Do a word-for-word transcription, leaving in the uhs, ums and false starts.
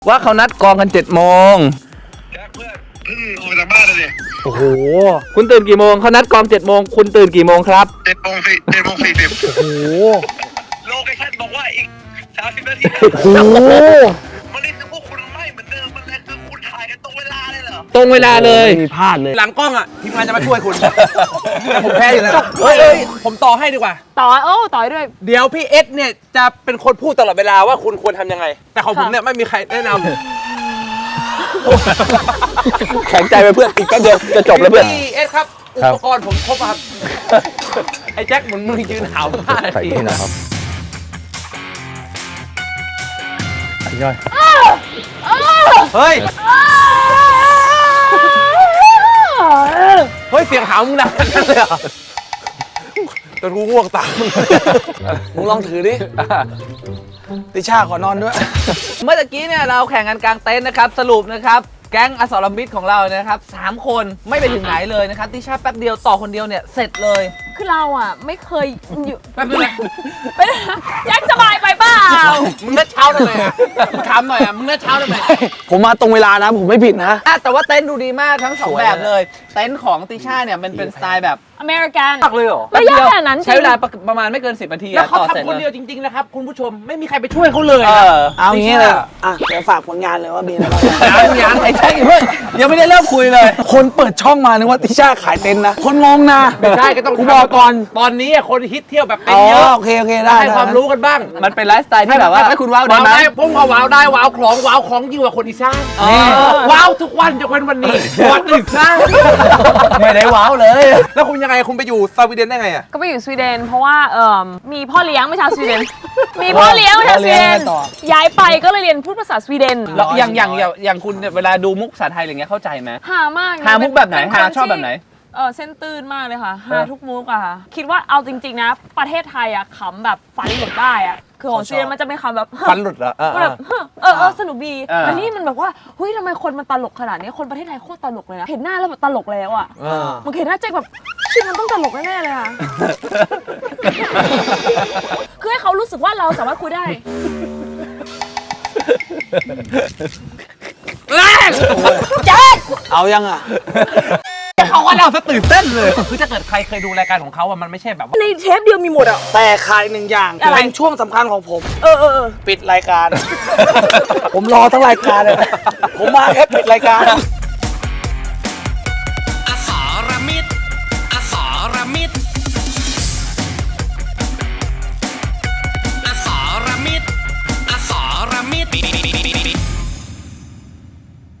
ว่าเขานัดกองกันเจ็ดโมงแจ็คเพื่อนเพิ่งออกจากบ้านเลยโอ้โหคุณตื่นกี่โมงเขานัดกองเจ็ดโมงคุณตื่นกี่โมงครับเจ็ดโมงสี่เจ็ดโมงสี่สิบโอ้โหโลเคชั่นบอกว่าอีกสามสิบนาทีโอ้โหมันนี่คือพวกคุณไม่เหมือนเดิมมันเลยคือคุณถ่ายกันตรงเวลาเลยเหรอตรงเวลาเลยไม่มีพลาดเลยหลังกล้องอ่ะทีมงานจะมาช่วยคุณแต่ผมแพ้อยู่แล้วเฮ้ยผมต่อให้ดีกว่าต่อโอ้ต่อด้วยเดี๋ยวพี่เอสเนี่ยจะเป็นคนพูดตลอดเวลาว่าคุณควรทำยังไงแต่ของผมเนี่ยไม่มีใครแนะนำแข็งใจไปเพื่อนอีกแป๊บเดียวจะจบแล้วเพื่อนพี่เอสครับอุปกรณ์ผมครบครับไอ้แจ็คเหมือนมึงยืนหาวผ้านาทีนะครับย่อยเฮ้ยเฮ้ยเสียงหาวมึงดังนั่นเลยเหรอจนกูง่วงตามมึงมึงลองถือดิติช่าขอนอนด้วยเมื่อกี้เนี่ยเราแข่งกันกลางเต็นท์นะครับสรุปนะครับแก๊งอสรมิตรของเรานะครับสามคนไม่ไปถึงไหนเลยนะครับติช่าแป๊บเดียวต่อคนเดียวเนี่ยเสร็จเลยคือเราอ่ะไม่เคยอยู่แป๊บนึงนะไม่ได้แจ็คสบายไปเปล่ามึงนัดเช้าทำไมอ่ะมึงถามหน่อยอ่ะมึงนัดเช้าทำไมผมมาตรงเวลานะผมไม่ผิดนะแต่ว่าเต็นท์ดูดีมากทั้งสองแบบเลยเต็นท์ของติช่าเนี่ยมันเป็นสไตล์แบบอเมริกันตักเลยเหรอไม่ยากขนาดนั้นใช้เวลาประมาณไม่เกินสิบนาทีแล้วเขาทำคนเดียวจริงๆนะครับคุณผู้ชมไม่มีใครไปช่วยเขาเลยเอางี้เลยอ่ะเดี๋ยวฝากผลงานเลยว่ามีอะไรบ้างยังยังไอ้แจ็คเพื่อนยังไม่ได้เริ่มคุยเลยคนเปิดช่องมานึกว่าติช่าขายเต็นท์นะคนงงนะไม่ได้ก็ต้องกูบอกก่อนตอนนี้คนฮิตเที่ยวแบบเต็นอ๋อเยอะโอเคโอเคได้ให้ความรู้กันบ้างมันเป็นไลฟ์สไตล์ที่แบบว่าให้คุณว้าวได้ไหมผมก็ว้าวได้ว้าวของว้าวของยิ่งกว่าคนอีสานว้าวทุกวันจะเป็นวันนี้วันหนึ่งสร้างไม่ได้ว้าวเลยแล้วคุณยังไงคุณไปอยู่สวีเดนได้ไงอ่ะก็ไปอยู่สวีเดนเพราะว่าเอ่อมีพ่อเลี้ยงไม่ชาวสวีเดนมีพ่อเลี้ยงไม่ชาวสวีเดนย้ายไปก็เลยเรียนพูดภาษาสวีเดนแล้วอย่างอย่างอย่างคุณเวลาดูมุกภาษาไทยอะไรเงี้ยเข้าใจไหมหามากหามุกแบบไหนหาชอบแบบไหนเออเส้นตื้นมากเลยค่ะหาทุกมุกอะค่ะคิดว่าเอาจริงๆนะประเทศไทยอะขำแบบฟันหลุดได้อะคือของสวีเดนมันจะเป็นคำแบบฟันหลุดเหรอแบบเออเออสนุกดีแต่นี่มันแบบว่าเฮ้ยทำไมคนมันตลกขนาดนี้คนประเทศไทยโคตรตลกเลยนะเห็นหน้าแล้วแบบตลกแล้วอะมันเห็นหน้าแจ็คแบบชิมันต้องตลกแน่ๆเลยค่ะคือให้เขารู้สึกว่าเราสามารถคุยได้แจ็คเอายังอ่ะเขาว่าเราจะตื่นเต้นเลยคือถ้าเกิดใครเคยดูรายการของเขาอะมันไม่ใช่แบบว่าในเทปเดียวมีหมดอ่ะแต่ขายหนึ่งอย่างเป็นช่วงสำคัญของผมเออเออปิดรายการผมรอทั้งรายการเลยผมมาแค่ปิดรายการ